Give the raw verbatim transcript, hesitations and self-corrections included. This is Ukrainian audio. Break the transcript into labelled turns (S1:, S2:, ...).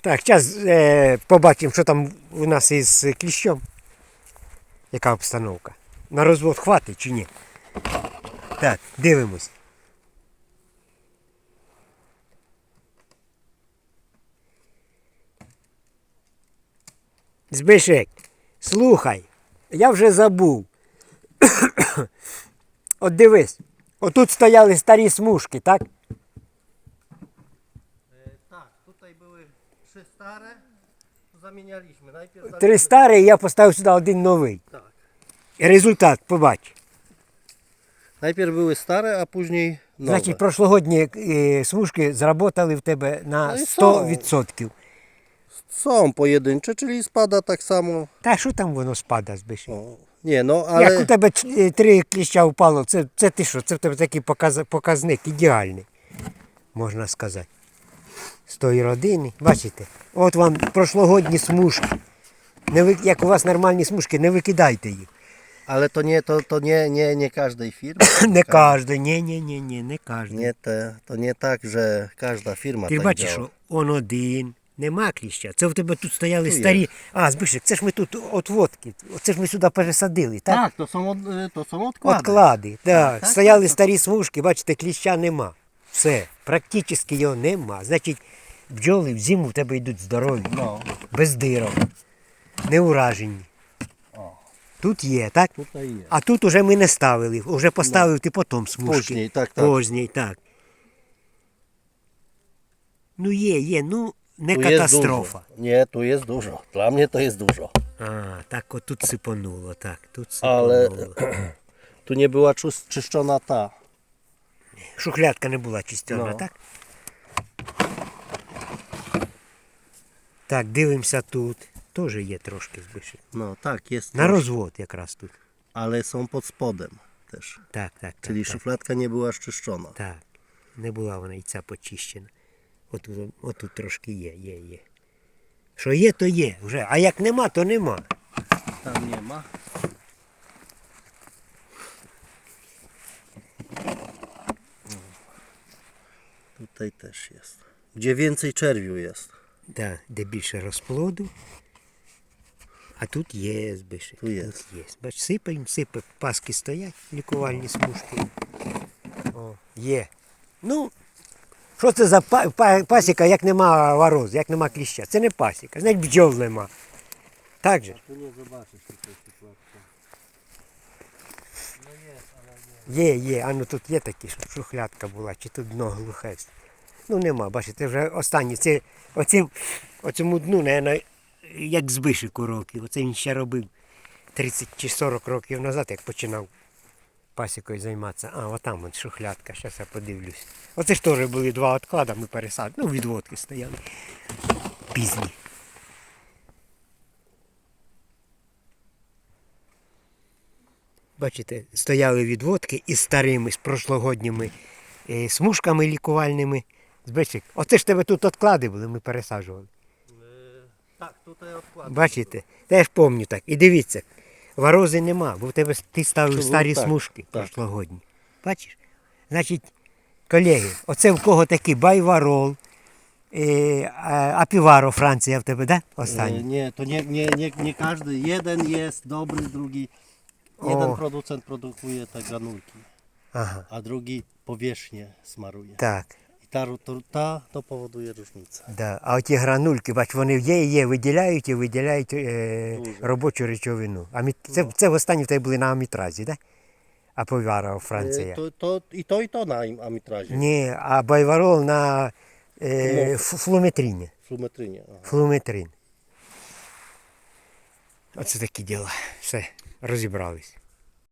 S1: Так, зараз е, побачимо, що там у нас із кліщом. Яка обстановка. На розвод хватить чи ні? Так, дивимось. Збишек, слухай, я вже забув. От дивись, отут стояли старі смужки, так?
S2: Так, tutaj były trzy stare, zamienialiśmy. Najpierw
S1: Три старі, і я поставив сюди один новий.
S2: Tak.
S1: І результат побач.
S2: Najpierw były stare, a później nowe.
S1: Значить, прошлогодні е, смужки зработали в тебе на
S2: Ну і
S1: сто відсотків.
S2: Są pojedyncze, czyli spada tak samo.
S1: Та що там воно спада, Збишек?
S2: O, nie no,
S1: Як у
S2: ale
S1: тебе ч- е, три кліща впало, це, це ти що? Це в тебе такий показ- показник ідеальний, можна сказати. З тої родини. Бачите? От вам прошлогодні смужки. Не ви, як у вас нормальні смужки, не викидайте їх.
S2: ale to nie, to, to nie, nie, nie każdej firmy.
S1: Не кожен, ні, ні, ні, ні, не кожен.
S2: Nie te, to nie tak, że każda firma
S1: Ти
S2: tak
S1: бачиш,
S2: działa.
S1: що он один, нема кліща. Це в тебе тут стояли
S2: Ну, є.
S1: старі. А, Збишек, це ж ми тут отводки. Це ж ми сюди пересадили, так?
S2: Tak, to są, od, to są odkłady.
S1: Отклади. Так.
S2: так,
S1: Стояли
S2: так.
S1: старі смужки, бачите, кліща нема. Все, практично його нема. Значить, бджоли в зиму в тебе йдуть здорові,
S2: No,
S1: без дирок, не уражені.
S2: o,
S1: Тут є, так?
S2: tutaj jest.
S1: А тут уже ми не ставили, вже поставив ти потім смужки.
S2: Później, tak, tak.
S1: Поздній, так. Ну є, є, ну не
S2: Tu
S1: катастрофа.
S2: jest dużo. Nie, tu jest dużo. Dla mnie to jest dużo.
S1: А, так от тут сипонуло, так, тут
S2: Ale
S1: сипонуло.
S2: tu nie była czys- czyszczona ta.
S1: Шухлядка не була чистена,
S2: Ну.
S1: так? Так, дивимося тут. Теж є трошки Збишек.
S2: No tak, jest.
S1: На
S2: coś,
S1: розвод якраз тут.
S2: ale są pod spodem też.
S1: Так, так, так.
S2: Czyli
S1: так,
S2: szufladka nie była szczyszczona.
S1: так. Не була вона і ця почищена. Отут, отут трошки є, є, є. Що є, то є вже. А як нема, то нема.
S2: Tam nie ma. Tutaj też jest. Gdzie więcej czerwiu jest.
S1: Да, де більше розплоду. А тут є Збишек.
S2: Тут є.
S1: Тут є. Бач, сипаємо, сипаємо. Паски стоять, лікувальні смужки. О, є. Ну, що це за па- па- пасіка, як нема вороз, як нема кліща? Це не пасіка, значить бджол нема. Так же?
S2: Tu nie zobaczysz tutaj szufladka.
S1: Є, є. А ну тут є такі, щоб шухлядка була, чи тут дно глухе. Ну нема, бачите, вже останні. Це оцим, оцьому дну, наверное, як Збишек у років. Оце він ще робив тридцять чи сорок років назад, як починав пасікою займатися. А, отам от шухлядка, зараз я подивлюсь. Оце ж теж були два відклади, ми пересадили. Ну, відводки стояли. Пізні. Бачите, стояли відводки із старими, з прошлогодніми е, смужками лікувальними. Збишек, оце ж тебе тут відклади були, ми пересаджували.
S2: Tak, tutaj odkładam.
S1: Бачите? Теж пам'ятаю так. І дивіться, ворози нема, бо в тебе ти ставив
S2: Чому
S1: старі
S2: так?
S1: смужки
S2: Так.
S1: прошлогодні. Бачиш? Значить, колеги, оце в кого такий байварол, е, а- апіваро, Франція в тебе, да?
S2: E,
S1: Останній.
S2: Nie, to nie, nie, nie, nie każdy. Jeden jest dobry, drugi. Jeden
S1: O.
S2: producent produkuje te granulki,
S1: Ага,
S2: a drugi powierzchnię smaruje.
S1: так.
S2: I ta, to, ta to powoduje różnicę.
S1: Да. А оті гранульки, бач, вони є, є, виділяють і виділяють е,
S2: Дуже.
S1: робочу речовину. А це, це в останні в тебе були на амітразі, так? Да? А повара Франція.
S2: E, To, to, I to i to na im- amitrazie.
S1: Ні, а байварол на е,
S2: Ну.
S1: ф- флуметріні.
S2: Flumetrynie. Aha.
S1: Флуметрин. Оце такі діла. Все, розібрались.